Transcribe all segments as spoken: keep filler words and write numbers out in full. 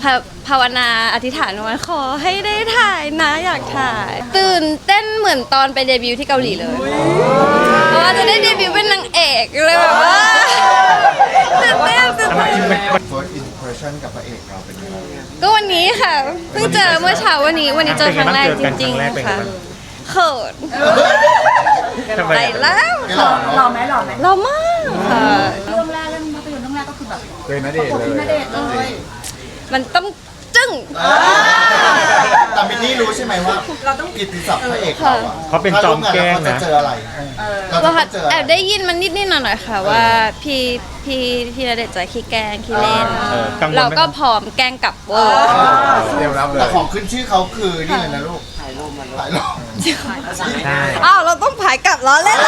ภาภาวนาอธิษฐานว่าขอให้ได้ถ่ายนะอยากถ่าย ตื่นเต้นเหมือนตอนไปเดบิวต์ที่เกาหลีเลยเพราะว่าจะได้เดบิวต์เป็นนางเอกเลยแบบว่าตื่นเต้นตื่นเต้น first impression กับพระเอกเราเป็นยังไงก็วันนี้ค่ะเพิ่งเจอเมื่อเช้าวันนี้วันนี้เจอครั้งแรกจริงๆค่ะเขินไปแล้วไม่หล่อหล่อเนาะไหมหล่อไหมเรามากค่ะเรื่องแรกเรื่องภาพยนตร์เรื่องแรกก็คือแบบเลยนะเดชน์เลยพี่ณเดชน์เลยมันต้องจึ้งแต่มินนี่รู้ใช่ไหมว่าเราต้องกิตติศัพท์พระเอกเราอะเขาเป็นจอมแกล้งนะถ้าร่วมานแล้วเขาจะเจออะไรเราจะเราต้องเจอแออะไรบได้ยินมันนิดๆหน่อยๆค่ะว่าพี่พี่พี่ณเดชน์จะขี้แกล้งขี้เล่นเออกังวลไหมเราก็พร้อมแกล้งกลับเวอร์เดี๋ยวรับเลยแต่ของขึ้นชื่อเขาคือนี่เลยนะลูกถ่ายรูปมันถ่ายรูปใช่อ้าวเราต้องผายกลับล้อเล่น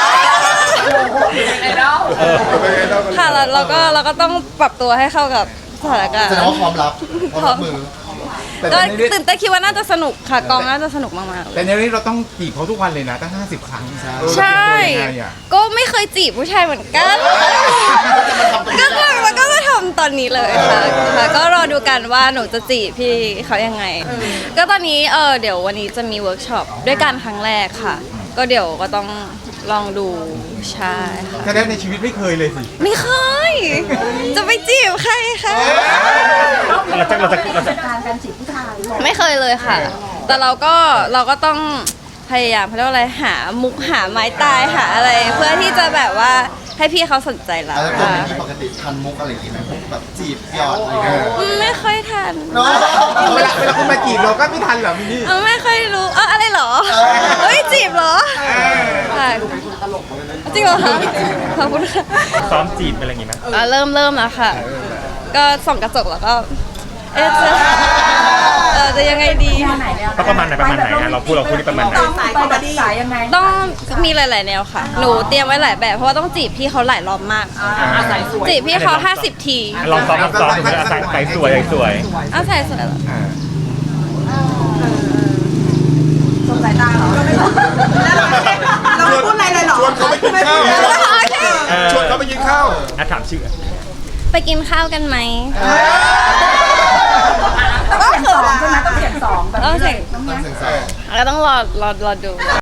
ค่ะเราเราก็เราก็ต้องปรับตัวให้เข้ากับสถานการณ์แสดงว่าพร้อมรับพร้อมรับมือก็ตื่นเต้นคิดว่าน่าจะสนุกค่ะกองน่าจะสนุกมากๆเลแต่ยในนี้เราต้องจีบเขาทุกวันเลยนะตั้งห้าสิบครั้งใช่เออเราจะเป็นยังไงอะก็ไม่เคยจีบผู้ชายเหมือนกันก็คือมันก็มาทำตอนนี้เลยค่ะค่ะก็รอดูกันว่าหนูจะจีบพี่เขายังไง ก็ตอนนี้เออเดี๋ยววันนี้จะมีเวิร์กช็อปด้วยกันครั้งแรกค่ะ ก็เดี๋ยวก็ต้องลองดูใช่ค่ะแสดงในชีวิตไม่เคยเลยสิไม่เคย จะไปจีบใครคะเราจะเราจะเราจะการการจีบผู้ชายหล่อไม่เคยเลยค่ะ แต่เราก็เราก็ต้องพยายามเขาเรียกว่าอะไรหามุกหาไม้ตายหาอะไร เพื่อที่จะแบบว่าให้พี่เขาสนใจเราแล้วตัวค่ะมินนี่ปกติทันมุกอะไรอย่างงี้ไหมแบบจีบหยอดอะไรอย่างเงี้ยอืมไม่ค่อยทันเนาะเวลาเวลาคุณมาจีบเราก็ไม่ทันเหรอมินนี่เออไม่ค่อยรู้เอออะไรเหรอเฮ้ยจีบเหรอค่ะจริงเหรอคะขอบคุณค่ะซ้อมจีบอะไรอย่างงี้ไหมอ่ะเริ่มเริ่มแล้วค่ะ ก็ส่องกระจกแล้วก็เอ๊ะจะเออจะยังไงดีแนวไหนเนี่ยก็ประมาณไหนประมาณไหนอะเราพูดเราพูดนี่ประมาณไหนสายคอมเมดี้สายยังไงต้องมีหลาย ๆ แนวค่ะ หนูเตรียมไว้หลายแบบ เพราะว่าต้องจีบพี่เขาหลายรอบมาก จีบพี่เขาห้าสิบทีลองซ้อมลองซ้อมดูนะใส่ใส่สวยใส่สวยเอาใส่สวยเหรอสงสายตาเหรอเราไม่พูดอะไรเลยเหรอชวนเขาไปกินข้าวโอเคชวนเขาไปกินข้าวอ่ะถามชื่อไปกินข้าวกันไหมต้องเสียงสองใช่ไหมต้องเสียงสองแบบเออนี้เลเสียยงต้องเนี้ยเสียงแสบแล้วต้องรอรอรอดู